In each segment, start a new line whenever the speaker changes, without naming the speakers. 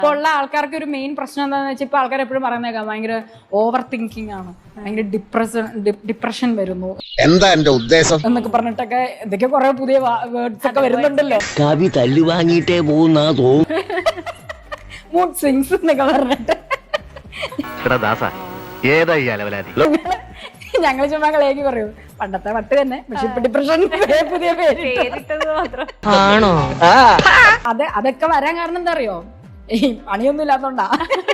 ഇപ്പൊ ഉള്ള ആൾക്കാർക്ക് ഒരു മെയിൻ പ്രശ്നം എന്താണെന്ന് വെച്ചാൽ ഇപ്പൊ ആൾക്കാർ എപ്പോഴും പറയുന്നേക്കാം ഭയങ്കര ഓവർ തിങ്കിങ് ആണ്, ഭയങ്കര ഡിപ്രഷൻ വരുന്നു
എന്താ എന്റെ ഉദ്ദേശം
എന്നൊക്കെ പറഞ്ഞിട്ടൊക്കെ ഇതൊക്കെ കുറെ പുതിയ വേർഡ്സ് ഒക്കെ വരുന്നുണ്ടല്ലോ.
കവി തല്ലു വാങ്ങിയിട്ടേ പോകുന്ന തോന്നും.
മൂഡ് സ്വിങ്സ് എന്നൊക്കെ പറഞ്ഞിട്ട് ഞങ്ങൾ ചുമ്മാ കളിയാക്കി പറയൂ പണ്ടത്തെ വട്ട് തന്നെ, പക്ഷെ ഇപ്പൊ ഡിപ്രഷൻ പുതിയ പേരിട്ടത് മാത്രം
ആണോ?
അതൊക്കെ വരാൻ കാരണം എന്താ അറിയോ, ഈ പണിയൊന്നും ഇല്ലാത്തോണ്ടാ.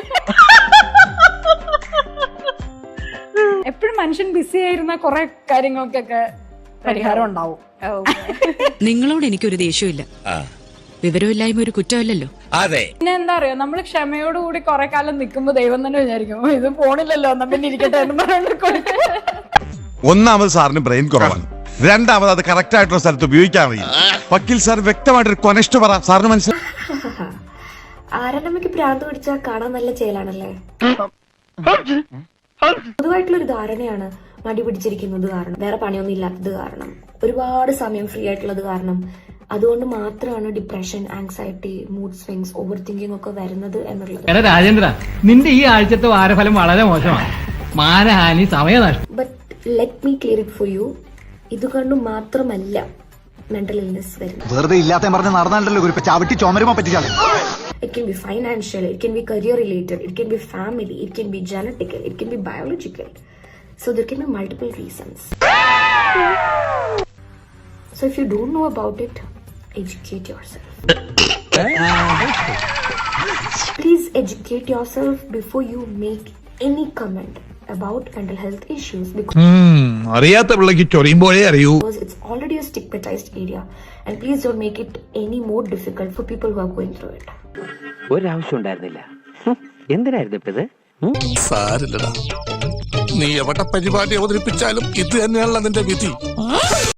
എപ്പോഴും മനുഷ്യൻ ബിസി ആയിരുന്ന കുറെ കാര്യങ്ങൾക്കൊക്കെ പരിഹാരം ഉണ്ടാവും.
നിങ്ങളോട് എനിക്കൊരു ദേഷ്യമില്ല, വിവരമില്ലായ്മ ഒരു കുറ്റമല്ലല്ലോ.
അതെ.
പിന്നെ എന്താ അറിയോ, നമ്മള് ക്ഷമയോടുകൂടി കുറെ കാലം നിൽക്കുമ്പോ ദൈവം തന്നെ വിചാരിക്കും ഇത് പോണില്ലല്ലോ എന്നാ പിന്നെ ഇരിക്കട്ടെ എന്ന് പറഞ്ഞിട്ട്.
ഒന്നാമത് സാറിന് ബ്രെയിൻ കുറവാണ്, രണ്ടാമത് അത് കറക്റ്റ് ആയിട്ടുള്ള സ്ഥലത്ത് ഉപയോഗിക്കാൻ അറിയില്ല. വക്കീൽ സാർ വ്യക്തമായിട്ടൊരു കൊനസ്റ്റ് പറ, സാറിന് മനസ്സിലായി.
ആരണ്ടമ്മയ്ക്ക് ഭ്രാന്ത് പിടിച്ചാൽ കാണാൻ നല്ല ചേലാണല്ലേ. പൊതുവായിട്ടുള്ളൊരു ധാരണയാണ് മടി പിടിച്ചിരിക്കുന്നത് കാരണം, വേറെ പണിയൊന്നും ഇല്ലാത്തത് കാരണം, ഒരുപാട് സമയം ഫ്രീ ആയിട്ടുള്ളത് കാരണം, അതുകൊണ്ട് മാത്രമാണ് depression, anxiety, mood swings, over thinking ഒക്കെ വരുന്നത് എന്നുള്ളത്.
രാജേന്ദ്ര, നിന്റെ ഈ ആഴ്ചത്തെ വാരഫലം വളരെ മോശമാണ്. മാനഹാനി, സമയനഷ്ടം.
But let me clear it for you. ഇതുകൊണ്ട് മാത്രമല്ല മെന്റൽ ഇൽനെസ് വരുന്നത്.
വെറുതെ ഇല്ലാത്ത പറഞ്ഞ് നടന്നാലല്ലോ ഒരു ചവിട്ടി ചുമരുമോ പറ്റിച്ചാൽ.
It can be financial, it can be career related, it can be family, it can be genetical, it can be biological. So there can be multiple reasons. So if you don't know about it, educate yourself. Please educate yourself before you make any comment about mental health issues
അറിയാത്ത പിള്ളക്ക് ചൊറിയുമ്പോഴേ അറിയൂ.
because it's already a stigmatized area, and please don't make it any more difficult for people who are going through it.
ഒരാവശ്യം ഉണ്ടായിരുന്നില്ല. എന്തിനായിരുന്നു ഇപ്പത്?
സാരില്ലടാ, നീ എവിടെ പരിപാടി അവതരിപ്പിച്ചാലും ഇത് തന്നെയാണല്ലോ നിന്റെ വിധി.